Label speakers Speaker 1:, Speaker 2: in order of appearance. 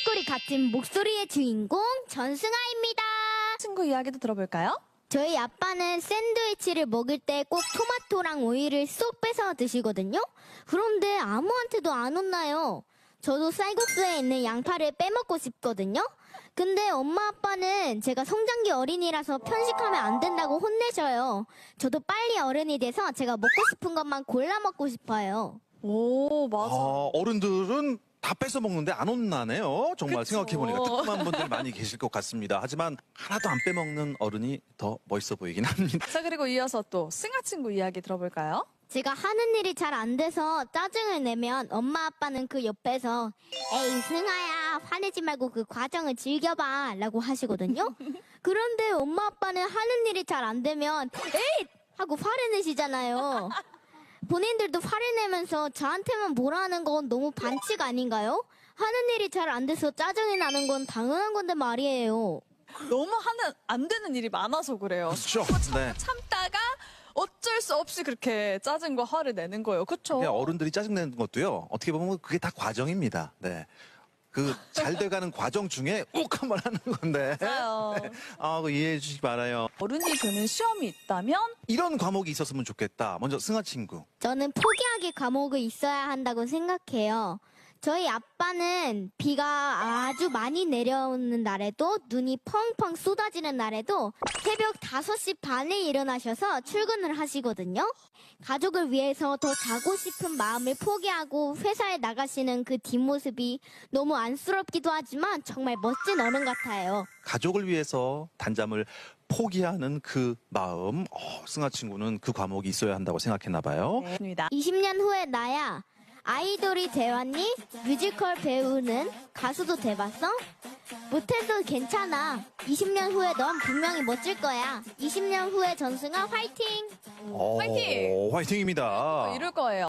Speaker 1: 꿀꿀이 갇힌 목소리의 주인공 전승아입니다.
Speaker 2: 친구 이야기도 들어볼까요?
Speaker 1: 저희 아빠는 샌드위치를 먹을 때 꼭 토마토랑 오이를 쏙 빼서 드시거든요. 그런데 아무한테도 안 혼나요. 저도 쌀국수에 있는 양파를 빼먹고 싶거든요. 근데 엄마 아빠는 제가 성장기 어린이라서 편식하면 안 된다고 혼내셔요. 저도 빨리 어른이 돼서 제가 먹고 싶은 것만 골라 먹고 싶어요.
Speaker 2: 오, 맞아.
Speaker 3: 어른들은 다 뺏어 먹는데 안 혼나네요. 정말
Speaker 2: 그쵸.
Speaker 3: 생각해보니까 뜨끔한 분들 많이 계실 것 같습니다. 하지만 하나도 안 빼먹는 어른이 더 멋있어 보이긴 합니다.
Speaker 2: 자, 그리고 이어서 또 승아 친구 이야기 들어볼까요?
Speaker 1: 제가 하는 일이 잘 안 돼서 짜증을 내면 엄마 아빠는 그 옆에서 에이 승아야 화내지 말고 그 과정을 즐겨봐 라고 하시거든요. 그런데 엄마 아빠는 하는 일이 잘 안 되면 에이 하고 화를 내시잖아요. 본인들도 화를 내면서 저한테만 뭐라 하는 건 너무 반칙 아닌가요? 하는 일이 잘 안 돼서 짜증이 나는 건 당연한 건데 말이에요.
Speaker 2: 너무 안 되는 일이 많아서 그래요.
Speaker 3: 그렇죠. 네.
Speaker 2: 참다가 어쩔 수 없이 그렇게 짜증과 화를 내는 거예요. 그쵸?
Speaker 3: 그냥 어른들이 짜증내는 것도요. 어떻게 보면 그게 다 과정입니다. 네. 그 잘 돼가는 과정 중에 욱 한번 하는 건데.
Speaker 2: 맞아요.
Speaker 3: 그거 이해해 주시기 바라요.
Speaker 2: 어른이 되는 시험이 있다면
Speaker 3: 이런 과목이 있었으면 좋겠다. 먼저 승아 친구.
Speaker 1: 저는 포기하기 과목이 있어야 한다고 생각해요. 저희 아빠는 비가 아주 많이 내려오는 날에도 눈이 펑펑 쏟아지는 날에도 새벽 5시 반에 일어나셔서 출근을 하시거든요. 가족을 위해서 더 자고 싶은 마음을 포기하고 회사에 나가시는 그 뒷모습이 너무 안쓰럽기도 하지만 정말 멋진 어른 같아요.
Speaker 3: 가족을 위해서 단잠을 포기하는 그 마음. 승아 친구는 그 과목이 있어야 한다고 생각했나 봐요.
Speaker 2: 네, 입니다.
Speaker 1: 20년 후에 나야 아이돌이 돼왔니? 뮤지컬 배우는 가수도 돼봤어? 못해도 괜찮아. 20년 후에 넌 분명히 멋질 거야. 20년 후에 전승아 화이팅!
Speaker 2: 화이팅!
Speaker 3: 화이팅입니다.
Speaker 2: 이럴 거예요.